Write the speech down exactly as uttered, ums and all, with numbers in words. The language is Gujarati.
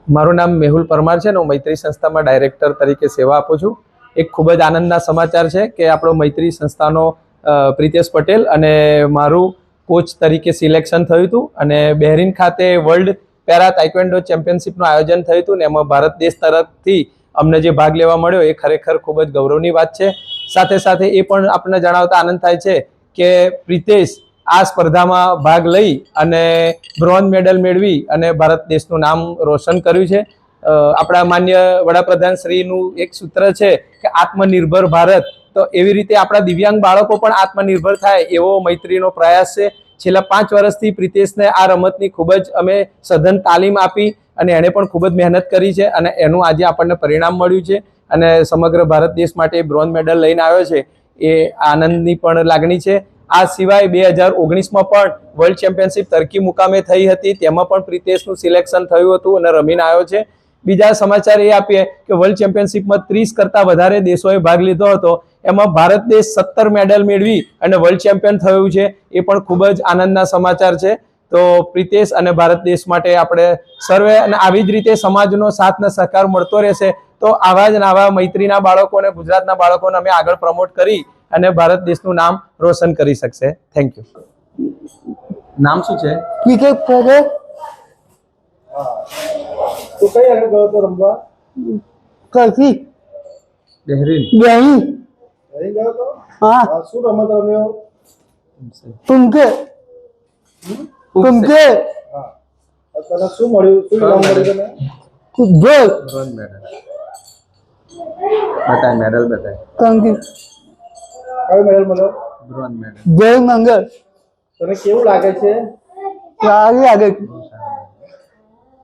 મારું નામ મેહુલ પરમાર છે ને હું મૈત્રી સંસ્થામાં ડાયરેક્ટર તરીકે સેવા આપું છું. એક ખૂબ જ આનંદના સમાચાર છે કે આપણો મૈત્રી સંસ્થાનો પ્રિતેશ પટેલ અને મારું કોચ તરીકે સિલેક્શન થયું હતું અને બહેરીન ખાતે વર્લ્ડ પેરા તાઇક્વેન્ડો ચેમ્પિયનશિપનું આયોજન થયું હતું ને એમાં ભારત દેશ તરફથી અમને જે ભાગ લેવા મળ્યો એ ખરેખર ખૂબ જ ગૌરવની વાત છે. સાથે સાથે એ પણ આપણને જણાવતા આનંદ થાય છે કે પ્રિતેશ આ સ્પર્ધામાં ભાગ લઈ અને બ્રોન્ઝ મેડલ મેળવી અને ભારત દેશનું નામ રોશન કર્યું છે. આપણા માન્ય વડાપ્રધાન શ્રીનું એક સૂત્ર છે કે આત્મનિર્ભર ભારત, તો એવી રીતે આપણા દિવ્યાંગ બાળકો પણ આત્મનિર્ભર થાય એવો મૈત્રીનો પ્રયાસ છે. છેલ્લા પાંચ વર્ષથી પ્રિતેશને આ રમતની ખૂબ જ અમે સઘન તાલીમ આપી અને એણે પણ ખૂબ જ મહેનત કરી છે અને એનું આજે આપણને પરિણામ મળ્યું છે અને સમગ્ર ભારત દેશ માટે બ્રોન્ઝ મેડલ લઈને આવ્યો છે. એ આનંદની પણ લાગણી છે. આ સિવાય બે હજાર ઓગણીસમાં પણ વર્લ્ડ ચેમ્પિયનશિપ તર્કી મુકામે થઈ હતી, તેમાં પણ પ્રિતેશનું સિલેક્શન થયું હતું અને રમીને આવ્યો છે. બીજા સમાચાર એ આપીએ કે વર્લ્ડ ચેમ્પિયનશિપમાં ત્રીસ કરતાં વધારે દેશોએ ભાગ લીધો હતો, એમાં ભારત દેશ સત્તર મેડલ મેળવી અને વર્લ્ડ ચેમ્પિયન થયું છે. એ પણ ખૂબ જ આનંદના સમાચાર છે. તો પ્રિતેશ અને ભારત દેશ માટે આપણે સર્વે અને આવી જ રીતે સમાજનો સાથ અને સહકાર મળતો રહેશે તો આવા જ આવા મૈત્રીના બાળકોને, ગુજરાતના બાળકોને અમે આગળ પ્રમોટ કરી અને ભારત દેશનું નામ રોશન કરી શકશે. Thank you. નામ શું છે? ક્રિકેટ કરે. તો કઈ આગળ ગયો તો રમવા? કઈ બહેરીન. બહેરીન. અહીં ગયો તો? હા. શું રમત રમ્યો? તુમકે તુમકે હા. તને શું મળ્યું? શું ઇનામ મળ્યું તને? ગોલ. Bronze medal. બતાય મેડલ બતાય. Thank you. કયો મેડલ મળ્યો? Bronze medal. જય મંગળ. તને કેવું લાગે છે? સારી લાગે. બહુ સારું.